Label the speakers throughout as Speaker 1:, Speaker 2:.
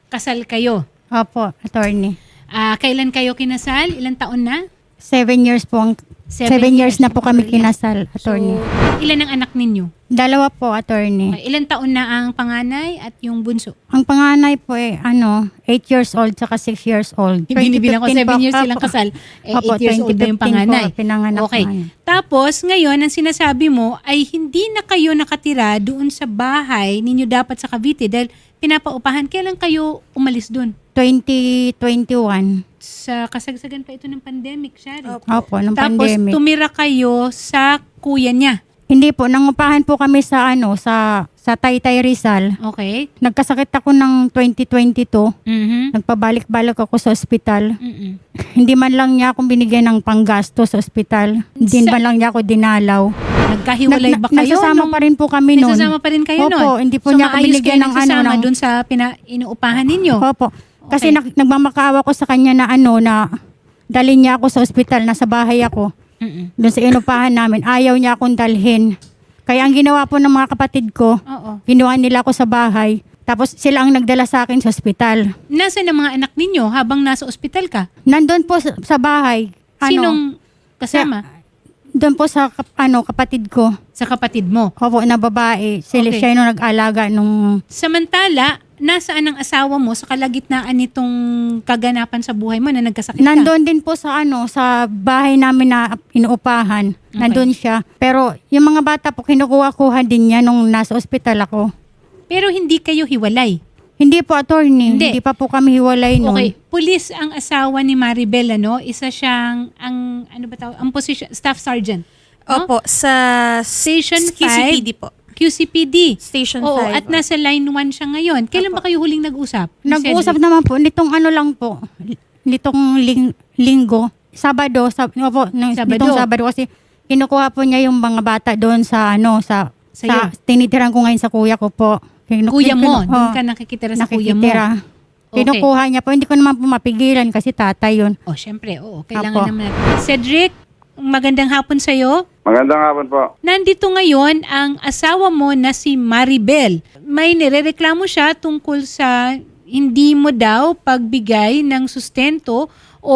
Speaker 1: kasal kayo.
Speaker 2: Opo, attorney.
Speaker 1: Kailan kayo kinasal? Ilang taon na?
Speaker 2: 7 years po. 7 years na po kami kinasal, attorney.
Speaker 1: So, ilan ang anak ninyo?
Speaker 2: 2 po, attorney.
Speaker 1: Ilang taon na ang panganay at yung bunso?
Speaker 2: Ang panganay po 8 years old saka 6 years old.
Speaker 1: Binibilang ko 7 years
Speaker 2: po.
Speaker 1: silang kasal.
Speaker 2: Opo,
Speaker 1: 8 years old na yung
Speaker 2: 2015
Speaker 1: panganay.
Speaker 2: po, pinanganak
Speaker 1: Okay.
Speaker 2: na.
Speaker 1: Tapos, ngayon, ang sinasabi mo ay hindi na kayo nakatira doon sa bahay ninyo dapat sa Cavite dahil pinapaupahan. Kailan kayo umalis doon?
Speaker 2: 2021.
Speaker 1: Sa kasagsagan pa ito ng pandemic, Shari.
Speaker 2: Opo, nung
Speaker 1: Tapos,
Speaker 2: pandemic.
Speaker 1: tumira kayo sa kuya niya.
Speaker 2: Hindi po, nangupahan po kami sa sa Taytay Rizal.
Speaker 1: Okay?
Speaker 2: Nagkasakit ako ng 2022.
Speaker 1: Mhm.
Speaker 2: Nagpabalik-balik ako sa ospital.
Speaker 1: Mhm.
Speaker 2: Hindi man lang niya akong binigyan ng panggasto sa ospital. Hindi man lang niya ako dinalaw.
Speaker 1: Nagkahiwalay ba kayo?
Speaker 2: Nagsasama pa rin po kami noon.
Speaker 1: Nagsasama pa rin kayo noon?
Speaker 2: Opo, hindi po
Speaker 1: So,
Speaker 2: niya ako
Speaker 1: maayos
Speaker 2: binigyan
Speaker 1: kayo
Speaker 2: ng
Speaker 1: nagsasama
Speaker 2: ng...
Speaker 1: doon sa inuupahan ninyo?
Speaker 2: Opo. Kasi
Speaker 1: Okay.
Speaker 2: nagmamakaawa ko sa kanya na na dalhin niya ako sa ospital, nasa bahay ako.
Speaker 1: Mhm.
Speaker 2: Doon sa inupahan namin, ayaw niya akong dalhin. Kaya ang ginawa po ng mga kapatid ko,
Speaker 1: Oo.
Speaker 2: ginawa nila ako sa bahay. Tapos sila ang nagdala sa akin sa ospital.
Speaker 1: Nasaan ang mga anak ninyo habang nasa ospital ka?
Speaker 2: Nandun po sa bahay.
Speaker 1: Sinong kasama?
Speaker 2: Doon po sa kapatid ko.
Speaker 1: Sa kapatid mo.
Speaker 2: Opo, na babae. Sila
Speaker 1: Okay.
Speaker 2: siya yung nag-alaga nung...
Speaker 1: Samantala, nasaan ang asawa mo sa kalagitnaan nitong kaganapan sa buhay mo na nagkasakit ka?
Speaker 2: Nandun din po sa bahay namin na inuupahan. Nandun siya. Pero yung mga bata po, kinukuha-kuha din niya nung nasa ospital ako.
Speaker 1: Pero hindi kayo hiwalay.
Speaker 2: Hindi po, attorney.
Speaker 1: Hindi.
Speaker 2: Hindi pa po kami hiwalay nun.
Speaker 1: Okay, pulis ang asawa ni Maribel, ano? Isa siyang, ang position, staff sergeant. No?
Speaker 3: Opo, sa
Speaker 1: Station 5.
Speaker 3: QCPD po.
Speaker 1: QCPD.
Speaker 3: Station
Speaker 1: Oo,
Speaker 3: 5.
Speaker 1: at nasa line 1 siya ngayon. Kailan ba kayo huling nag-usap? ni
Speaker 2: Nag-uusap
Speaker 1: Cedric?
Speaker 2: naman po, nitong lang po, nitong linggo, Sabado, opo,
Speaker 1: Sabado.
Speaker 2: nitong Sabado kasi kinukuha po niya yung mga bata doon sa
Speaker 1: Sa'yo?
Speaker 2: tinitiran ko ngayon sa kuya ko po.
Speaker 1: Kuya mo, doon
Speaker 2: Oo,
Speaker 1: ka nakikitira sa kuya mo.
Speaker 2: nakikitira.
Speaker 1: Okay.
Speaker 2: Kinukuha niya po, hindi ko naman po mapigilan kasi tatay yun.
Speaker 1: Oh, syempre, oo. Kailangan
Speaker 2: Apo.
Speaker 1: naman natin. Cedric, magandang hapon sa'yo.
Speaker 4: Magandang hapon po.
Speaker 1: Nandito ngayon ang asawa mo na si Maribel. May nirereklamo siya tungkol sa hindi mo daw pagbigay ng sustento o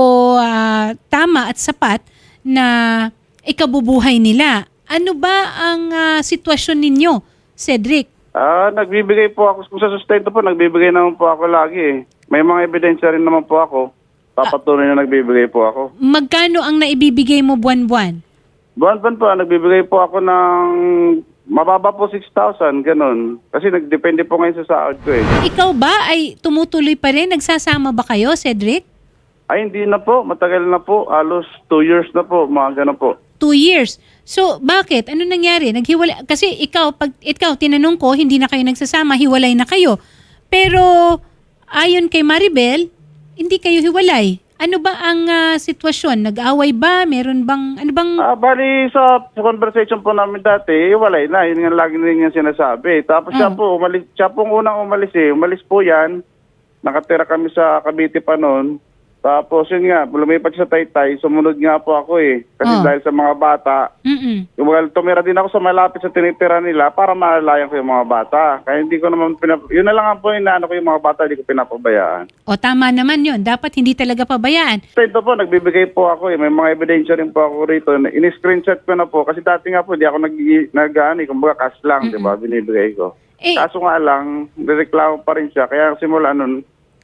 Speaker 1: tama at sapat na ikabubuhay nila. Ano ba ang sitwasyon ninyo, Cedric?
Speaker 4: Nagbibigay po ako kung sa sustento po, nagbibigay naman po ako lagi eh. May mga ebidensya rin naman po ako. Papatunay na nagbibigay po ako.
Speaker 1: Magkano ang naibibigay mo buwan-buwan?
Speaker 4: Buwan-buwan po, nagbibigay po ako ng mababa po 6,000, ganun. Kasi nagdepende po ngayon sa sahod ko eh.
Speaker 1: Ikaw ba ay tumutuloy pa rin? Nagsasama ba kayo, Cedric?
Speaker 4: Ay, hindi na po. Matagal na po. Halos 2 years na po. Mga ganun po.
Speaker 1: 2 years. So, bakit? Ano nangyari? Naghiwalay? Kasi pag ikaw, tinanong ko, hindi na kayo nagsasama, hiwalay na kayo. Pero, ayon kay Maribel, hindi kayo hiwalay. Ano ba ang sitwasyon? Nag-away ba? Meron bang, ano bang...
Speaker 4: Bali sa conversation po namin dati, wala na. Yun nga lagi rin yung sinasabi. Tapos siya po, umalis, siya pong unang umalis eh. Umalis po yan. Nakatira kami sa Cavite pa noon. Tapos yun nga, lumipat sa Taytay, sumunod nga po ako eh. Kasi dahil sa mga bata, tumira din ako sa malapit sa tinitira nila para malalayan ko yung mga bata. Kaya hindi ko naman, yun na lang ang po inaano ko yung mga bata, hindi ko pinapabayaan.
Speaker 1: O, tama naman yun. Dapat hindi talaga pabayaan.
Speaker 4: Ito po, nagbibigay po ako eh. May mga ebidensya rin po ako rito. In-screenshot ko na po. Kasi dati nga po, di ako kumbaga cash lang, di ba, binibigay ko. Kaso nga lang, nireklamo pa rin siya. Kaya simula nun,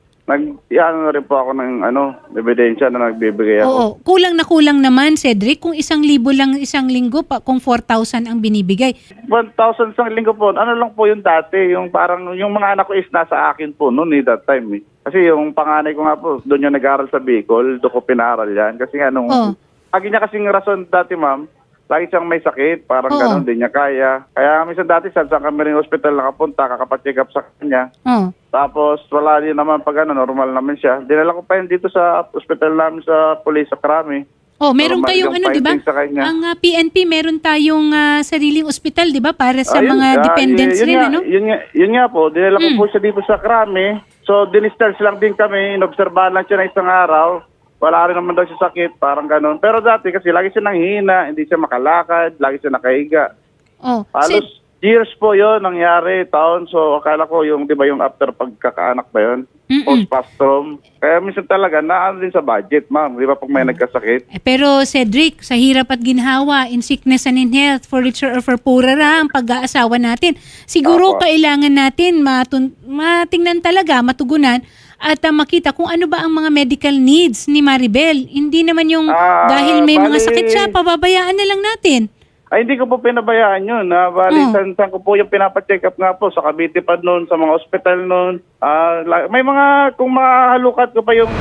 Speaker 4: na rin po ako ng ebidensya na nagbibigay ako.
Speaker 1: Oo. Kulang naman, Cedric. Kung 1,000 lang isang linggo, kung 4,000 ang binibigay.
Speaker 4: 1,000 sa linggo po. Ano lang po yung dati, yung parang yung mga anak ko is nasa akin po noon that time eh. Kasi yung panganay ko nga po, doon yung nag-aaral sa Bicol, doon ko pinaral yan. Kasi nga lagi niya kasing rason dati ma'am, lagi siyang may sakit, parang gano'n din niya kaya. Kaya minsan dati saan kami rin hospital nakapunta, kakapacheck up sa kanya. Tapos wala din naman pag normal naman siya. Dinala ko pa yun dito sa hospital namin sa Police sa Krami.
Speaker 1: Oh, meron
Speaker 4: Normal
Speaker 1: kayong
Speaker 4: yung
Speaker 1: di ba?
Speaker 4: findings sa kanya.
Speaker 1: Ang PNP, meron tayong sariling ospital, di ba? Para sa mga dependents
Speaker 4: yun
Speaker 1: rin,
Speaker 4: nga,
Speaker 1: ano?
Speaker 4: Yun nga po, dinala ko po siya dito sa Krami. So, dinistarge lang din kami, inobserbahan lang siya na isang araw. Wala rin naman daw siya sakit, parang ganun. Pero dati kasi lagi siya nanghihina, hindi siya makalakad, lagi siya nakahiga.
Speaker 1: Oh,
Speaker 4: Halos Years po yun, nangyari, taon. So, akala ko yung, di ba, yung after pagkakaanak ba yun? Postpartum. Kaya minsan talaga, naano din sa budget, ma'am. Di ba, pag may nagkasakit?
Speaker 1: Pero Cedric, sa hirap at ginhawa, in sickness and in health, for richer or for poorer ang pag-aasawa natin. Siguro
Speaker 4: Opo.
Speaker 1: kailangan natin matingnan talaga, matugunan, at makita kung ano ba ang mga medical needs ni Maribel. Hindi naman yung dahil may mga
Speaker 4: bali-
Speaker 1: sakit siya, pababayaan na lang natin.
Speaker 4: Ay, hindi ko po pinabayaan yun. Bali, san ko po yung pinapacheck up nga po sa Cavite pa noon, sa mga ospital noon. May mga, kung mahalukat ko pa yung...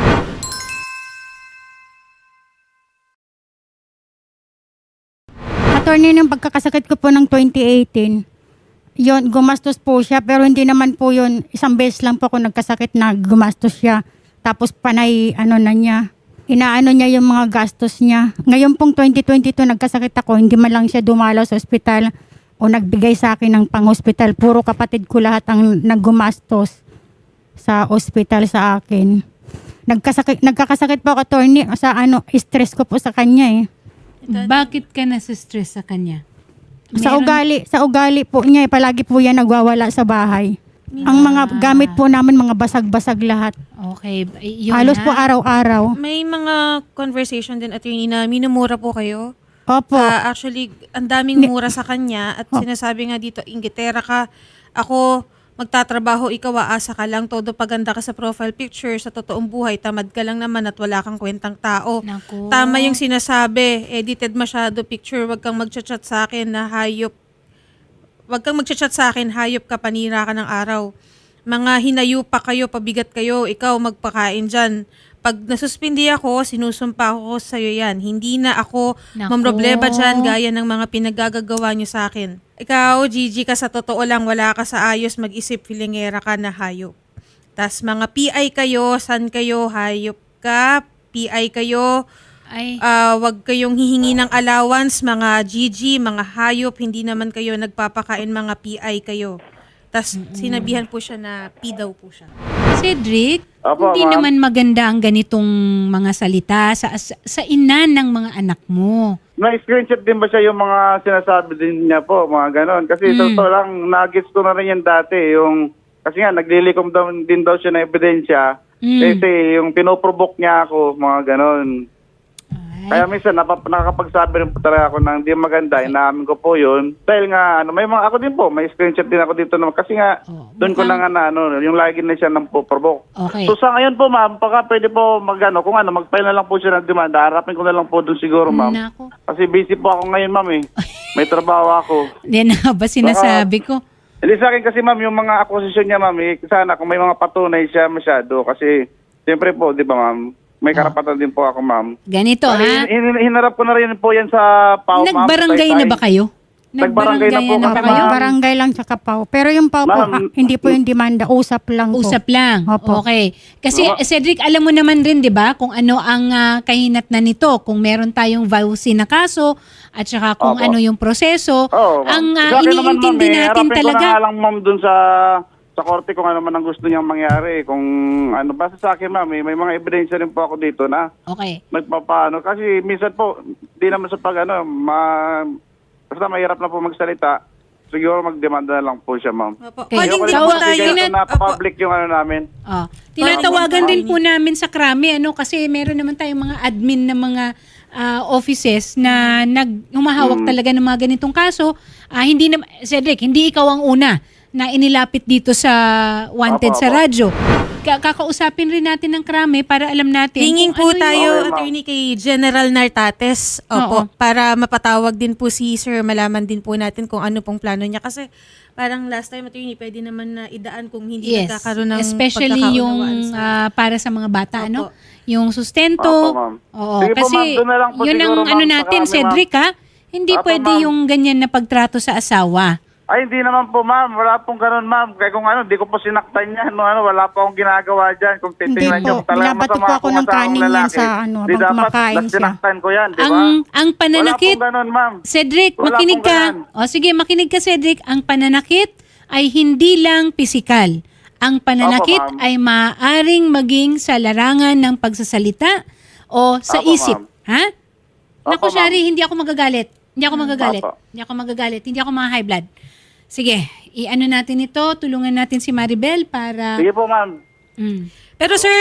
Speaker 2: Attorney, ng pagkakasakit ko po ng 2018, yon gumastos po siya, pero hindi naman po yon, isang beses lang po ako nagkasakit na gumastos siya. Tapos panay, na niya, inaano niya yung mga gastos niya. Ngayon pong 2022 nagkasakit ako, hindi man lang siya dumalaw sa ospital o nagbigay sa akin ng pang-hospital. Puro kapatid ko lahat ang naggumastos sa ospital sa akin. Nagkakasakit po ako, attorney, sa stress ko po sa kanya eh.
Speaker 1: Bakit ka nasa-stress sa kanya?
Speaker 2: Sa ugali po niya, palagi po yan nagwawala sa bahay. Ang mga gamit po namin, mga basag-basag lahat.
Speaker 1: Okay. Yun
Speaker 2: Halos po araw-araw.
Speaker 3: May mga conversation din, attorney, na minumura po kayo.
Speaker 2: Opo.
Speaker 3: Actually, ang daming mura sa kanya at sinasabi nga dito, inggitera ka. Ako, magtatrabaho, ikaw aasa ka lang, todo paganda ka sa profile picture, sa totoong buhay, tamad ka lang naman at wala kang kwentang tao.
Speaker 1: Naku.
Speaker 3: Tama yung sinasabi, edited masyado picture, wag kang magchat-chat sa akin na hayop. Wag kang magchat-chat sa akin, hayop ka, panira ka ng araw. Mga hinayo pa kayo, pabigat kayo, ikaw magpakain dyan. Pag nasuspindi ako, sinusumpa ko sa'yo yan. Hindi na ako
Speaker 1: Naku.
Speaker 3: mamroblema dyan gaya ng mga pinagagagawa nyo sa akin. Ikaw, Gigi, ka sa totoo lang, wala ka sa ayos, mag-isip, filingera ka na hayop. Tas mga PI kayo, san kayo, hayop ka, PI kayo,
Speaker 1: Ay,
Speaker 3: wag kayong hihingi ng allowance, mga Gigi, mga hayop, hindi naman kayo nagpapakain, mga PI kayo. Tas sinabihan po siya na P daw po siya.
Speaker 1: Cedric,
Speaker 4: Apo,
Speaker 1: hindi
Speaker 4: ma'am.
Speaker 1: naman maganda ang ganitong mga salita sa ina ng mga anak mo.
Speaker 4: Na-screenshot din ba siya yung mga sinasabi din niya po, mga ganon? Kasi totoo lang, nagets ko na rin yan dati. Kasi nga, naglilikom din daw siya ng ebidensya. Kasi yung pinoprovoke niya ako, mga ganon. Kaya minsan nakakapagsabi rin po talaga ako ng hindi maganda, inaamin ko po yun. Dahil nga, may mga ako din po, may screenshot din ako dito naman. Kasi nga, doon ko na nga yung lagi na siya nang po-provoke.
Speaker 1: Okay.
Speaker 4: So sa ngayon po ma'am, baka pwede po kung mag-file na lang po siya ng demanda, harapin ko na lang po doon siguro ma'am.
Speaker 1: Nako.
Speaker 4: Kasi busy po ako ngayon ma'am eh. May trabaho ako.
Speaker 1: Yan na ba sinasabi ko?
Speaker 4: Hindi sa akin kasi ma'am, yung mga acquisition niya ma'am, sana kung may mga patunay siya masyado. Kasi siyempre po, di ba ma'am, may karapatan din po ako ma'am.
Speaker 1: Ganito ha?
Speaker 4: Hinarap ko na rin po yan sa PAO ma'am.
Speaker 1: Nagbarangay na ba kayo?
Speaker 4: Nagbarangay na po
Speaker 1: Nagbarangayan
Speaker 4: kami,
Speaker 1: ba kayo?
Speaker 4: ma'am.
Speaker 2: Barangay lang sa Kapaw. Pero yung Pau po,
Speaker 4: Ma'am,
Speaker 2: hindi po yung demanda, usap lang po.
Speaker 1: Usap lang.
Speaker 2: Opo.
Speaker 1: Okay. Kasi Cedric, alam mo naman rin 'di ba kung ano ang kahinatnan nito, kung meron tayong vowsy na kaso at saka kung
Speaker 4: Opo.
Speaker 1: ano yung proseso.
Speaker 4: Oo,
Speaker 1: Ang
Speaker 4: ma'am. Sa akin naman,
Speaker 1: iniintindi
Speaker 4: ma'am,
Speaker 1: natin
Speaker 4: harapin
Speaker 1: talaga.
Speaker 4: ko na nga lang ma'am dun sa korte kung ano man ang gusto niyang mangyari. Kung ano, basta sa akin ma'am, may mga ebidensya rin po ako dito na
Speaker 1: Okay.
Speaker 4: magpapaano. Kasi minsan po, di naman sa basta mahirap na po magsalita. Siguro magdemanda na lang po siya ma'am.
Speaker 3: Opo.
Speaker 1: Okay.
Speaker 3: Calling din
Speaker 1: Tawa-
Speaker 3: po tayo.
Speaker 4: na
Speaker 3: Opo.
Speaker 4: public yung ano namin.
Speaker 1: Tinatawagan din po namin sa Krami kasi meron naman tayong mga admin na mga offices na humahawak talaga ng mga ganitong kaso. Hindi na Cedric, hindi ikaw ang una na inilapit dito sa Wanted
Speaker 4: Opo,
Speaker 1: sa
Speaker 4: opo.
Speaker 1: radyo. Kakausapin rin natin ng Krami para alam natin
Speaker 3: Hinging
Speaker 1: kung
Speaker 3: po
Speaker 1: ano
Speaker 3: tayo,
Speaker 4: Okay, ma'am.
Speaker 3: attorney, kay General Nartates.
Speaker 1: Oo.
Speaker 3: Opo, para mapatawag din po si Sir, malaman din po natin kung ano pong plano niya. Kasi parang last time, attorney, pwede naman na idaan kung hindi
Speaker 1: Yes,
Speaker 3: nagkakaroon ng
Speaker 1: especially yung
Speaker 3: pagkakaunawaan sa...
Speaker 1: para sa mga bata,
Speaker 3: Opo.
Speaker 1: ano? Yung sustento.
Speaker 4: Opo, ma'am.
Speaker 1: Oo,
Speaker 4: Sige po,
Speaker 1: kasi
Speaker 4: ma'am. Doon na lang po
Speaker 1: yun ang
Speaker 4: siguro,
Speaker 1: ano
Speaker 4: ma'am,
Speaker 1: natin,
Speaker 4: sa kami,
Speaker 1: Cedric, ha? Hindi
Speaker 4: Opo,
Speaker 1: pwede
Speaker 4: ma'am.
Speaker 1: yung ganyan na pagtrato sa asawa.
Speaker 4: Ay, hindi naman po ma'am. Wala pong ganun ma'am. Kaya kung di ko po sinaktan yan. Wala po akong ginagawa dyan. Kung titingnan
Speaker 2: Hindi
Speaker 4: niyo,
Speaker 2: po.
Speaker 4: talagang
Speaker 2: Binabato
Speaker 4: masama
Speaker 2: po ako
Speaker 4: akong
Speaker 2: ng
Speaker 4: asawang
Speaker 2: kanin yan
Speaker 4: lalaki.
Speaker 2: sa
Speaker 4: Di
Speaker 2: habang
Speaker 4: dapat
Speaker 2: kumakain siya.
Speaker 4: sinaktan ko yan, di ba?
Speaker 1: Ang pananakit,
Speaker 4: Wala pong ganun ma'am.
Speaker 1: Cedric,
Speaker 4: Wala
Speaker 1: makinig
Speaker 4: pong
Speaker 1: ka.
Speaker 4: ganun.
Speaker 1: O sige, makinig ka, Cedric. Ang pananakit ay hindi lang pisikal. Ang pananakit
Speaker 4: Opo, ma'am.
Speaker 1: ay maaaring maging sa larangan ng pagsasalita o sa
Speaker 4: Opo,
Speaker 1: isip.
Speaker 4: ma'am.
Speaker 1: Ha? Naku,
Speaker 4: Opo, ma'am.
Speaker 1: Shari, hindi ako magagalit. Hindi ako magagalit.
Speaker 4: Opo.
Speaker 1: Hindi ako magagalit. Hindi ako mga high blood. Sige, i-ano natin ito, tulungan natin si Maribel para...
Speaker 4: Sige po, ma'am.
Speaker 1: Mm.
Speaker 3: Pero sir,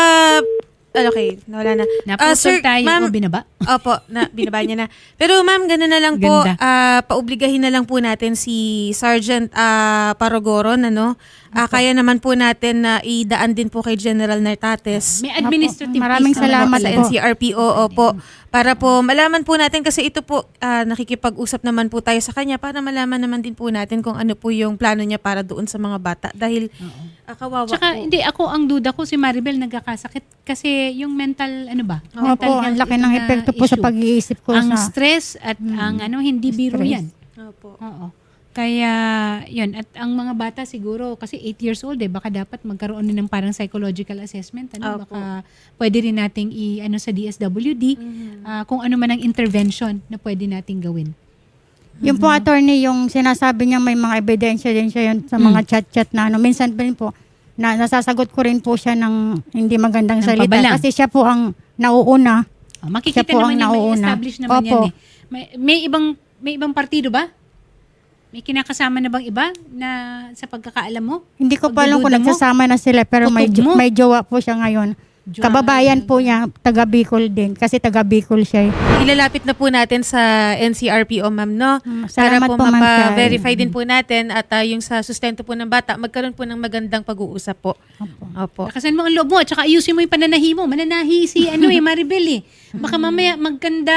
Speaker 3: okay, wala na.
Speaker 1: Naputol tayo
Speaker 3: ma'am,
Speaker 1: o binaba?
Speaker 3: Opo, binaba niya na. Pero ma'am, gano'n na lang po,
Speaker 1: Ganda.
Speaker 3: paobligahin na lang po natin si Sergeant Paragoron, ano? Kaya naman po natin na idaan din po kay General Nartates.
Speaker 1: May administrative
Speaker 2: Maraming
Speaker 1: case
Speaker 2: salamat
Speaker 3: sa
Speaker 2: po.
Speaker 3: NCRPO, opo. Para po malaman po natin kasi ito po, nakikipag-usap naman po tayo sa kanya para malaman naman din po natin kung ano po yung plano niya para doon sa mga bata. Dahil kawawa
Speaker 1: Tsaka
Speaker 3: po.
Speaker 1: hindi, ako ang duda ko si Maribel nagkakasakit kasi yung mental, ano ba?
Speaker 2: Opo, ang laki ng
Speaker 1: na
Speaker 2: epekto po sa
Speaker 1: issue.
Speaker 2: pag-iisip ko
Speaker 1: Ang
Speaker 2: sa...
Speaker 1: stress at ang hindi biro
Speaker 2: Stress.
Speaker 1: yan.
Speaker 3: Opo.
Speaker 1: Oo. Kaya, yun. At ang mga bata siguro, kasi 8 years old baka dapat magkaroon din ng parang psychological assessment. Ano?
Speaker 3: Opo.
Speaker 1: Baka pwede rin nating sa DSWD kung ano man ang intervention na pwede nating gawin.
Speaker 2: Yung po attorney, yung sinasabi niya may mga ebidensya din siya yun sa mga chat-chat na ano. Minsan pa rin po, na nasasagot ko rin po siya ng hindi magandang
Speaker 1: Ng
Speaker 2: salita.
Speaker 1: pabalang.
Speaker 2: Kasi siya po ang nauuna.
Speaker 1: Makikita
Speaker 2: Siya po
Speaker 1: naman
Speaker 2: ang
Speaker 1: yan, may
Speaker 2: nauuna.
Speaker 1: establish naman
Speaker 2: Opo.
Speaker 1: yan May ibang partido ba? May kinakasama na bang iba na sa pagkakaalam mo?
Speaker 2: Hindi ko pa alam kung
Speaker 1: Pagdududa mo?
Speaker 2: nagsasama na sila pero
Speaker 1: Kutob mo?
Speaker 2: may jowa po siya ngayon.
Speaker 1: Jowa.
Speaker 2: Kababayan po niya, taga Bicol din. Kasi taga Bicol siya.
Speaker 3: Ilalapit na po natin sa NCRPO, ma'am, no? Para
Speaker 2: Salamat
Speaker 3: po
Speaker 2: po, Ma'am
Speaker 3: mapa-verify
Speaker 2: Shari.
Speaker 3: din po natin at yung sa sustento po ng bata, magkaroon po ng magandang pag-uusap po. Opo.
Speaker 1: Lakasan mo ang loob mo at saka ayusin mo yung pananahi mo. Mananahi si Maribel Baka mamaya magkanda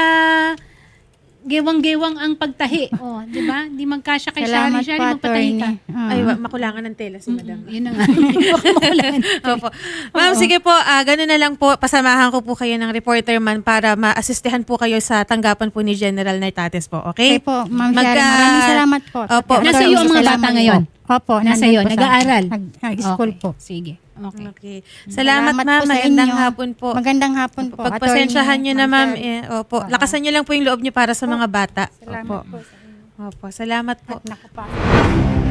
Speaker 1: gewang-gewang ang pagtahi. Di ba? Hindi magkasya kay
Speaker 2: Salamat
Speaker 1: Shari.
Speaker 2: po,
Speaker 1: Magpatahi ka.
Speaker 2: attorney.
Speaker 3: Ay, makulangan ng tela si madam.
Speaker 1: Yun na nga. Baka makulangan.
Speaker 3: Opo. Ma'am, sige po, ganun na lang po. Pasamahan ko po kayo ng reporter man para ma-assistehan po kayo sa tanggapan po ni General Nartates po. Okay?
Speaker 2: Okay po, Ma'am Shari. Maraming salamat po.
Speaker 3: Opo.
Speaker 1: Nasa iyo ang mga
Speaker 2: Salamat
Speaker 1: bata
Speaker 2: po.
Speaker 1: ngayon?
Speaker 2: Opo.
Speaker 1: Nasa
Speaker 2: nandun
Speaker 1: iyo,
Speaker 2: po sa-
Speaker 1: nag-aaral?
Speaker 2: Nag-school
Speaker 1: Okay,
Speaker 2: po.
Speaker 1: Sige. Okay.
Speaker 3: Okay. Salamat,
Speaker 2: Salamat
Speaker 3: ma'am.
Speaker 2: po sa
Speaker 3: Magandang
Speaker 2: inyo.
Speaker 3: hapon po.
Speaker 2: Magandang hapon po.
Speaker 3: Pagpasensyahan nyo na, ma'am.
Speaker 2: Shari.
Speaker 3: Opo. Lakasan nyo lang po yung loob nyo para sa mga bata.
Speaker 2: Salamat
Speaker 3: Opo.
Speaker 2: po sa inyo.
Speaker 3: Opo. Salamat po.
Speaker 2: At naku pa.